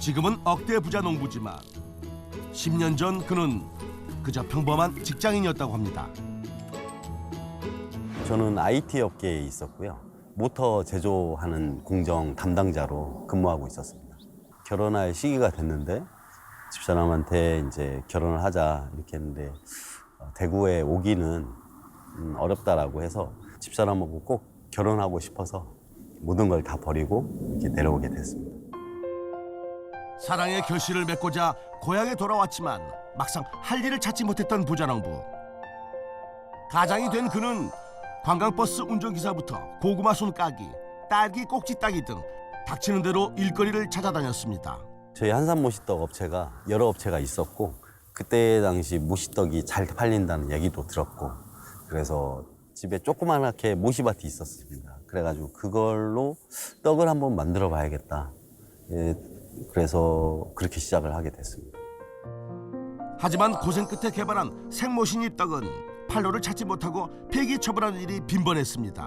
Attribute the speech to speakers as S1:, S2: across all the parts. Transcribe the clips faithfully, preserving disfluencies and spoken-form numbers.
S1: 지금은 억대 부자 농부지만 십 년 전 그는 그저 평범한 직장인이었다고 합니다.
S2: 저는 아이티 업계에 있었고요. 모터 제조하는 공정 담당자로 근무하고 있었습니다. 결혼할 시기가 됐는데 집사람한테 이제 결혼을 하자 이렇게 했는데 대구에 오기는 어렵다라고 해서 집사람하고 꼭 결혼하고 싶어서 모든 걸 다 버리고 이렇게 내려오게 됐습니다.
S1: 사랑의 결실을 맺고자 고향에 돌아왔지만 막상 할 일을 찾지 못했던 부자농부. 가장이 된 그는 관광버스 운전기사부터 고구마 순 까기, 딸기 꼭지 따기 등 닥치는 대로 일거리를 찾아다녔습니다.
S2: 저희 한산 모시떡 업체가 여러 업체가 있었고 그때 당시 모시떡이 잘 팔린다는 얘기도 들었고 그래서 집에 조그맣게 모시밭이 있었습니다. 그래가지고 그걸로 떡을 한번 만들어 봐야겠다. 예, 그래서 그렇게 시작을 하게 됐습니다.
S1: 하지만 고생 끝에 개발한 생모신잎 떡은 판로를 찾지 못하고 폐기 처분하는 일이 빈번했습니다.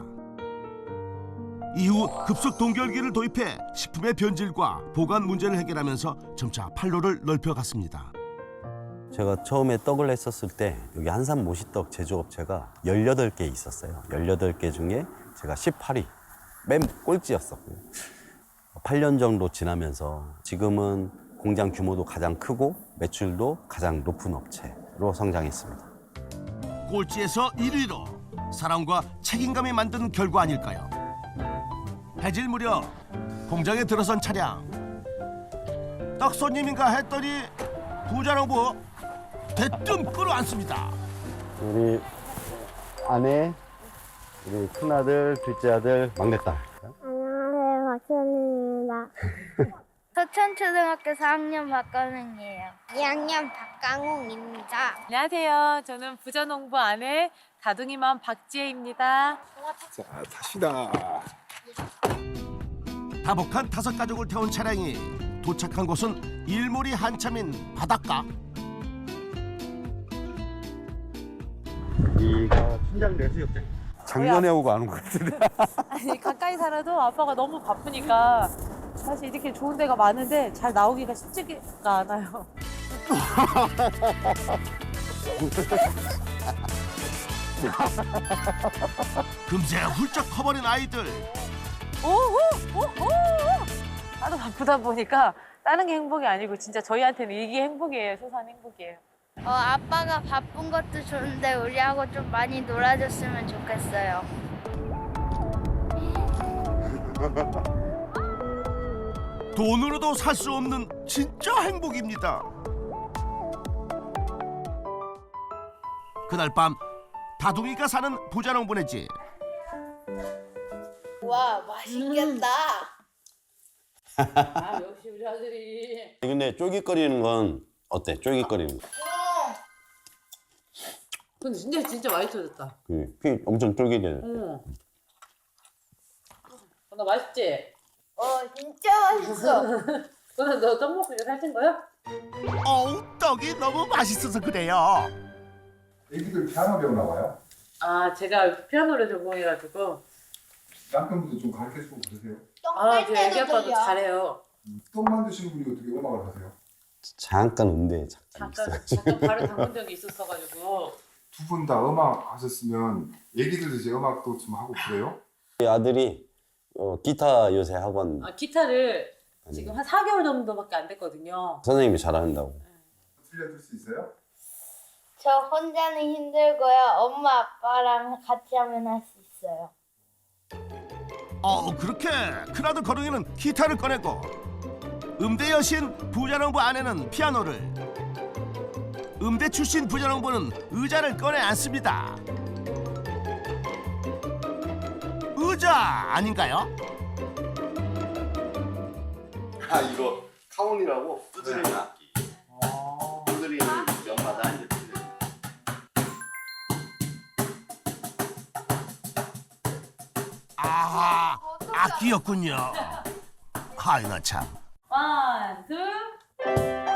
S1: 이후 급속 동결기를 도입해 식품의 변질과 보관 문제를 해결하면서 점차 판로를 넓혀갔습니다.
S2: 제가 처음에 떡을 했었을 때 여기 한산 모시떡 제조업체가 열여덟 개 있었어요. 열여덟 개 중에 제가 십팔 위, 맨 꼴찌였었고요. 팔 년 정도 지나면서 지금은 공장 규모도 가장 크고 매출도 가장 높은 업체로 성장했습니다.
S1: 꼴찌에서 일 위로 사랑과 책임감이 만든 결과 아닐까요? 해질 무렵 공장에 들어선 차량. 떡 손님인가 했더니 부자농부 대뜸 끌어안습니다.
S2: 우리 아내, 우리 큰아들, 둘째 아들, 막내딸.
S3: 안녕하세요, 박선입니다. 서천초등학교 사 학년 박가능이에요. 이 학년 박강웅입니다.
S4: 안녕하세요. 저는 부자농부 아내 다둥이맘 박지혜입니다.
S5: 자, 탑시다.
S1: 다복한 다섯 가족을 태운 차량이 도착한 곳은 일몰이 한참인 바닷가.
S2: 여기가 순장대 해수욕장. 작년에 오고 안 온 것 같은데.
S4: 아니 가까이 살아도 아빠가 너무 바쁘니까 사실 이렇게 좋은 데가 많은데 잘 나오기가 쉽지가 않아요.
S1: 금세 훌쩍 커버린 아이들.
S4: 오호! 오호! 나도 바쁘다 보니까 다른 게 행복이 아니고 진짜 저희한테는 이게 행복이에요. 소소한 행복이에요.
S3: 어, 아빠가 바쁜 것도 좋은데 우리하고 좀 많이 놀아줬으면 좋겠어요.
S1: 돈으로도 살 수 없는 진짜 행복입니다. 그날 밤 다둥이가 사는 부자농부네 집.
S3: 와, 맛있겠다.
S4: 아 역시 우리 아들이.
S2: 근데 쫄깃거리는 건 어때? 쫄깃거리는 거.
S4: 근데 진짜 진짜 맛있어졌다.
S2: 그, 피 엄청 쫄깃해.
S4: 응. 나 맛있지?
S3: 어, 진짜 맛있어.
S4: 너는 너 떡 먹고 이거 살찐 거야?
S1: 어우, 떡이 너무 맛있어서 그래요.
S5: 애기들 피아노 배우나 봐요?
S4: 아 제가 피아노를 전공해가지고
S5: 남편분도 좀 가르쳐주고 그러세요?
S4: 아 제 애기 아빠도 잘해요.
S5: 떡 만드시는 분이 어떻게 음악을 하세요?
S2: 잠깐 음대에 잠깐
S4: 잠깐
S2: 있어요.
S4: 잠깐 발을 담근 적이 있었어가지고.
S5: 두 분 다 음악 하셨으면 애기들도 이제 음악도 좀 하고 그래요?
S2: 아들이 어, 기타 요새 학원
S4: 아 기타를 지금 한 사 개월 정도밖에 안 됐거든요.
S2: 선생님이 잘한다고.
S5: 들려줄 수 있어요?
S3: 저 혼자는 힘들고요. 엄마, 아빠랑 같이 하면 할 수 있어요.
S1: 어, 그렇게 큰아들 거릉이는 기타를 꺼내고 음대 여신 부자농부 아내는 피아노를, 음대 출신 부자농부는 의자를 꺼내 앉습니다. 의자 아닌가요?
S2: 아 이거 카운이라고 두드리는 악기. 두드리는 연마다 이제 두드리는.
S1: 아하, 악기였군요. 하이 나 참.
S4: 원, 둘.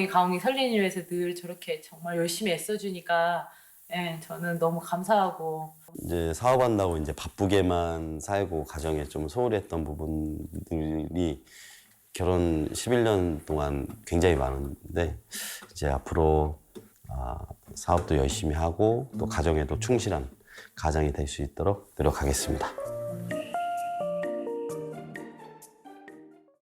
S4: 저희 가온이 설리는 위해서 늘 저렇게 정말 열심히 애써주니까 예, 저는 너무 감사하고
S2: 이제 사업한다고 이제 바쁘게만 살고 가정에 좀 소홀했던 부분들이 결혼 십일 년 동안 굉장히 많은데 이제 앞으로 아, 사업도 열심히 하고 또 가정에도 충실한 가장이 될 수 있도록 노력하겠습니다.